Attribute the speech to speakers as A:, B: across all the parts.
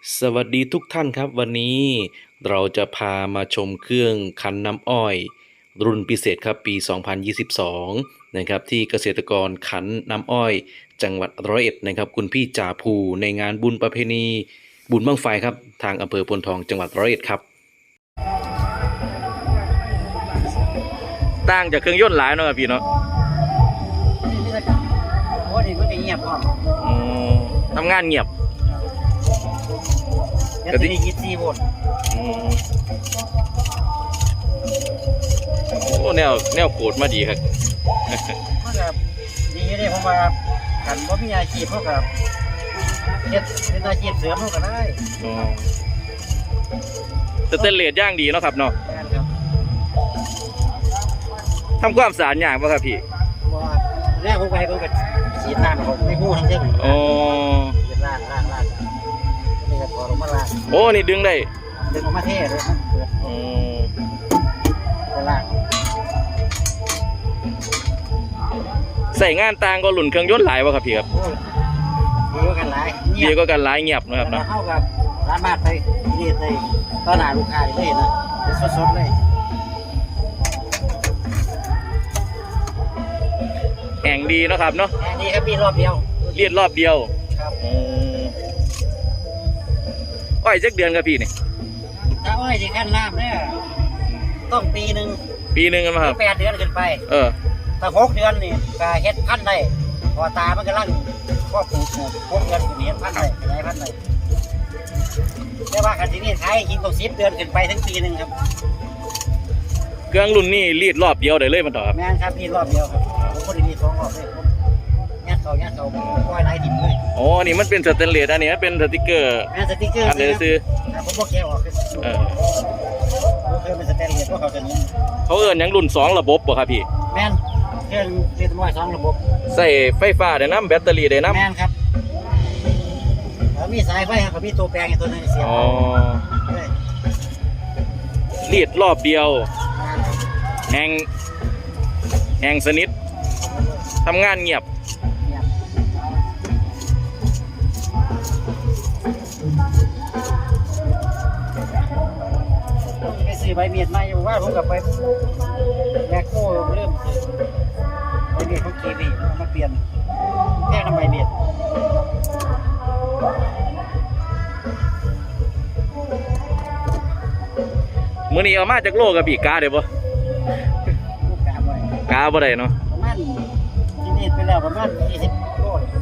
A: สวัสดีทุกท่านครับวันนี้เราจะพามาชมเครื่องคั้นน้ำอ้อยรุ่นพิเศษครับปี 2022 นะครับที่เกษตรกรคั้นน้ำอ้อยจังหวัดร้อยเอ็ดนะครับคุณพี่จ่าภูในงานบุญประเพณีบุญบั้งไฟครับทางอำเภอพลทองจังหวัดร้อยเอ็ดครับต่างจากเครื่องยนต์หลายเนาะพี่เนาะ
B: โอ้ดิมันก็เงียบพร้อม
A: ทำงานเงียบ
B: แบตเตอรี่24 โวลต์
A: โอ้แนวโกดมาดีครับ
B: มันก็ดีเด้ผมว่าคันบ่มีอาชีพเขาก็เฮ็ดเป็นอาชีพเสริมเขาก็ได้
A: สเตนเลสย่างดีเนาะครับเนาะ
B: แม่นครับ
A: ทำความสะอาดอย่างป่ะครับพี่
B: บ่แรกผมไปผมก็ฉีดน้ำผมไม่ฮู้ทั้งเรื่อง
A: อ๋อ
B: เป็นล้างนี่ก็พอลงมาล้าง
A: โอ้นี่ดึงได้
B: ดึงออกมาเทเลยมันเปิดไปล้าง
A: ใส่งานต่างก็หลุ่นเครื่องยนต์หลายป่ะครับพี่ครับ
B: ดีกว่ากันหลาย
A: เดียวก็กันหลายเงียบนะครับเนาะ
B: เท่ากับสามารถไปนี่ได้ต้อนรับลูกค้าได้เลยนะสดๆเลย
A: แห่งดีเนาะครับเนาะ
B: แห่งดีครับมีรอบเดียว
A: เลียดรอบเดียว
B: ครับ
A: อ้อยจักเดือนครับพี่นี่
B: ถ้าอ้อยที่ขั้นน้ำเนี่ยต้องปีหนึ่ง
A: กันมาครับ
B: 8 เดือนขึ้นไปถ้า6 เดือนนี่ก็เฮ็ดพันธุ์ได้พอตามันกำลังก็ปลูก6 เดือนก็เฮ็ดพันธุ์ได้ขยายพันธุ์ได้แต่ว่าคันที่นี่ขายกินต้อง10 เดือนขึ้นไปถึงปีหนึ่งครับ
A: เครื่องรุ่นนี้รีดรอบเดียวได้เลยมันต่อครับ
B: แม่นครับรีดรอบเดียวครับผมบ่ได้รีด2 รอบเลยผมยัดเขาปล่อยไหลดิบเลย
A: อ๋อนี่มันเป็นสแตนเลสอันนี้เป็นสติ๊กเกอร์
B: แม่นสติ๊กเกอร์
A: อันนี้ซื้อ
B: ผมบ่แกะออกเคยเป็นสแตนเลสพวกเขาจะนี้
A: เขาเอิ้นหยังรุ่น2ระบบบ่ครับพี่
B: แม่นเครื่องเรียกว่า2 ระบบ
A: ใส่ไฟฟ้าได้น้ำแบตเตอรี่ได้น้ำ
B: แม่นครับมีสายไฟครับมีตัวแปลงตัวนึงเสียบ
A: อ๋อรีดรอบเดียวแห้งสนิททำงานเงียบ
B: ไปซื้อใบเมียดมาอยู่ว่าผมกับไปแบกโก้เริ่มซื้อใบเมียดเขาขี่ดีมาเปลี่ยนแค่ทำใบเมียด
A: มื้อนี้เอามาจากโลกับพี่กาได้บ่กาบ่ได้เนาะ
B: ประมาณที่นี่ไปแล้วประมาณ20 โล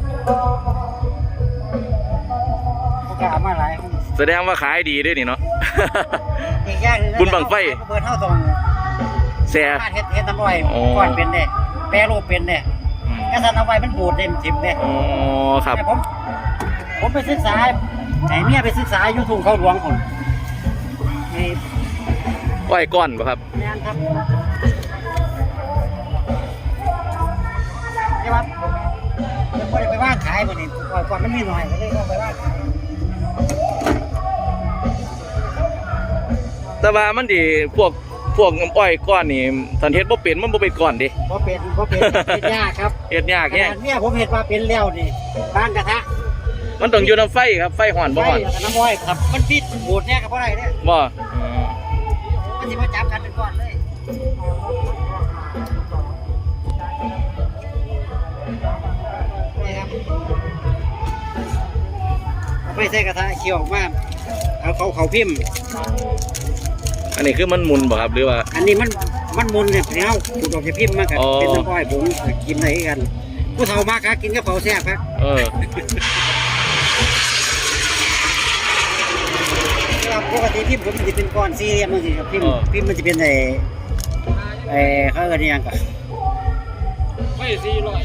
B: กามาหลาย
A: แสดงว่าขายดีด้วยนี่เนาะ
B: บุ
A: ญบังไฟ
B: เปิดเท่าตรง
A: แซ่
B: เฮ็ดน้ำอ้อยก่อนเป็นเด้แปรรูปเป็นเด้กระสันเอาไว้มันบูดเต็มทิมเด้
A: อ๋อครับ
B: ผมไปศึกษาไหนเมียไปศึกษาอยู่ทุ่งเขาหลวงคน
A: อ้อยก้อนป่ะครับ
B: แม่นครับใช่ป่ะยังไม่ได้ไปว่างขายบ่นี่ก่อนมันมีหน่อยก็เลยเอาไปว่างขาย
A: แต่ว่ามันดีพวกอ้อยก้อนนี่สันเฮ็ดบ่เป็นมันบ่เป็นก้อนดิ
B: บ่เป็นเฮ็ดยากครับ
A: เฮ็ดยากแฮะ
B: เนี่ยผมเฮ็ดว่าเป็นแล้วนี่บางกระทะ
A: มันต้องอยู่น้ำไฟครับไฟห่อนบ่ห่อน
B: น้ำอ้อยครับมันปิดบูดเนี่ยก็บ่ได้เด้
A: บ่
B: มันสิมาจับกันเป็นก้อนเลยนี่ครับไม่ใช่กระทะเคี่ยวออกมาเอาเขาพิมพ์
A: อันนี้คือมันมุนบ่ครับหรือว่า
B: อันนี้มันมุนเนี่ยเนาขูดออกจากพิมพ์มากันเป็นน้ำอ้อยผมกินอะไรกันผู้เฒ่ามากครับกินกับเผาแซ่บครับปกติพิมพ์ผมมันจะเป็นก้อนสี่เหลี่ยมมันสิครับพิมพ์มันจะเป็นเขาเรียกยังก่อน
A: ไม่400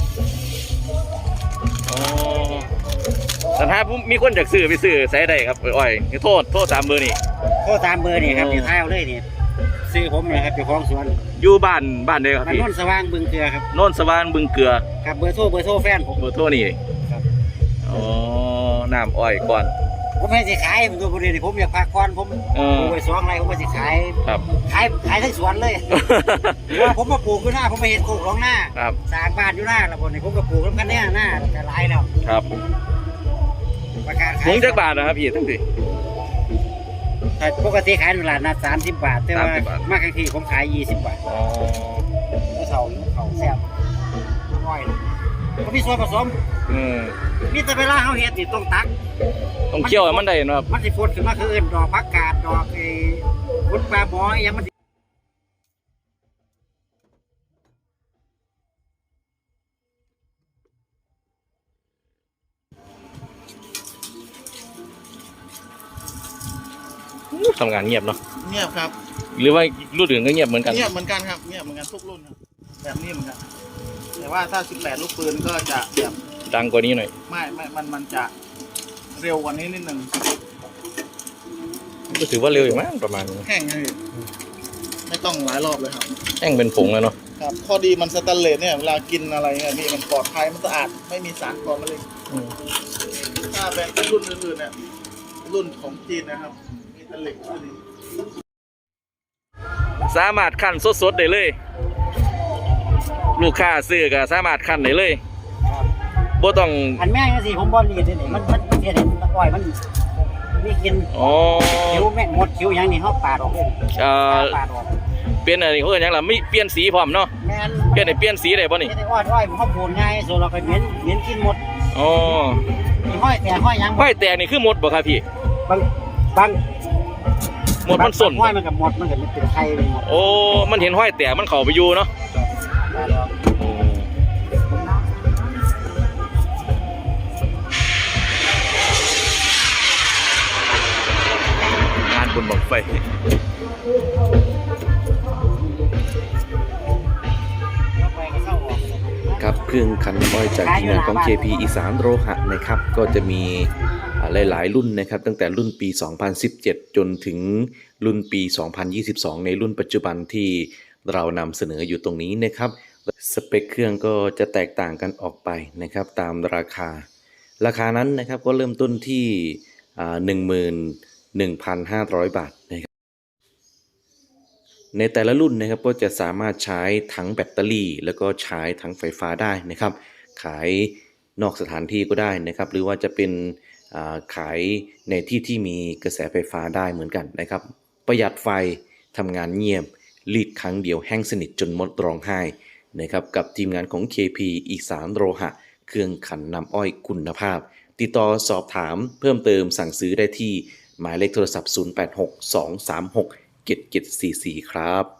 A: แต่ถ้ามีคนอยากซื้อไปซื้อใช้ได้ครับอ้อยโทษตามเบอร์นี่
B: ครับอยู่ท้ายเอาเลยนี่ซื้อผมนะครับอยู่คลองสวน
A: อยู่บ้านเดียวครับพี่
B: โน่นสว่างบึงเกลือครับ
A: โน่นสว่างบึงเกลือ
B: ครับเบอร์โทรแฟนผม
A: เบอร์โทรนี่ครับน้ำอ้อยก่อน
B: ผมไม่สิขายผมตัวบริเวณผมอยากพักก่อนผมไปสวนอะไรผมไม่สิขาย
A: ครับ
B: ขายทั้งสวนเลยว่าผมมาปลูกอยู่หน้าผมไปเห็นโคกของหน้าสร้างบ้านอยู่หน้าแล้วผมก็ปลูกแล้วกันเนี่ยหน้าจะหลายแล้ว
A: ครับ
B: ประกาศ
A: ถุ
B: ขาย
A: งจักบาทนะครับพี่ทั้งสิ
B: แต่ปกติขายตลาดนัด30 บาท แต่ว่า
A: 30 บาท
B: มากครั้งที่ผมขาย20 บาท
A: อ๋อ
B: แล้วเขาแซ่บน้อยก็มีส่วนผสม
A: อืม
B: มีแต่เวลาเขาเฮ็ดนี่ต้องตัก
A: ต้องเคี่ยวให้มันได้เนาะครับ
B: มันสิฝนขึ้นมาคืออื่นดอกผักกาดดอกพุทธปลาหมออหยังมันสิ
A: ทำงานเงียบเนาะ
C: เงียบครับ
A: หรือว่ารุ่นอื่นก็เงียบเหมือนกัน
C: เงียบเหมือนกันครับเงียบเหมือนกันทุกรุ่นครับแบบนี้เหมือนกันแต่ว่าถ้า 18 ลูกปืนก็จะแบบ
A: ดังกว่านี้หน่อย
C: ไม่มันจะเร็วกว่านี้นิดนึง
A: ก็ถือว่าเร็วอยู่มั้งประมาณนี้
C: แห้งเลยไม่ต้องหลายรอบเลยครับ
A: แห้งเป็นผงแล้วเนาะ
C: ครับข้อดีมันสแตนเลสเนี่ยเวลากินอะไรเนี่ยนี่มันปลอดภัยมันสะอาดไม่มีสารก่อมะเร็งถ้าเป็นรุ่นอื่นๆเนี่ยรุ่นของจีนนะครับมีแต่เหล็กอันนี้
A: สามารถคั่นสดๆได้เลย ลูกค้าซื้อก็สามารถคั่นได้เลยบ่ต้อง
B: อันแม่งจังซี่ผมบ่รีดเลยนี่มันเฮ็ดให้อ้อยมันมีกลิน
A: อ๋อ
B: คิ้วแม่หมดคิ้วหยังนี่เฮาปาดออกเลย ปาดออก
A: เปลี่ยนอะไรเขาเรียกหยังล่ะไม่เปลี่ยนสีพร้อมเนาะ
B: แม่น
A: เปลี่ยนให้เปลี่ยนสีได้บ่นี่
B: เฮ็ดให้อ้อยมันเฮาโผล่ง่ายส่วนเราก็เหม็นกินหมด
A: อ๋อ
B: มีห้อยแต่ห้อยหยัง
A: ห้อยแตกนี่คือหมดบ่ครับพี่
B: บาง
A: หมดมันส้น
B: ห้อยมันก็หมดมันก็เป็นไข่ไปหมด
A: โอ้มันเห็นห้อยแตกมันเข้าไปอยู่เนาะ
B: ปาดออก
A: งานบุญบังไฟ
B: แล้วไปก็เข้าออก
A: ครับเครื่องคันอ้อยจากทีมงานของ KP อีสานโลหะนะครับก็จะมีหลายๆรุ่นนะครับตั้งแต่รุ่นปี 2017 จนถึงรุ่นปี 2022 ในรุ่นปัจจุบันที่เรานำเสนออยู่ตรงนี้นะครับสเปคเครื่องก็จะแตกต่างกันออกไปนะครับตามราคานั้นนะครับก็เริ่มต้นที่ 11,500 บาทนะครับในแต่ละรุ่นนะครับก็จะสามารถใช้ทั้งแบตเตอรี่แล้วก็ใช้ทั้งไฟฟ้าได้นะครับขายนอกสถานที่ก็ได้นะครับหรือว่าจะเป็นขายในที่ที่มีกระแสไฟฟ้าได้เหมือนกันนะครับประหยัดไฟทำงานเงียบรีดครั้งเดียวแห้งสนิทจนหมดร้องไห้นะครับกับทีมงานของ KP อีสานโลหะเครื่องขันน้ำอ้อยคุณภาพติดต่อสอบถามเพิ่มเติมสั่งซื้อได้ที่หมายเลขโทรศัพท์ 0862367744 ครับ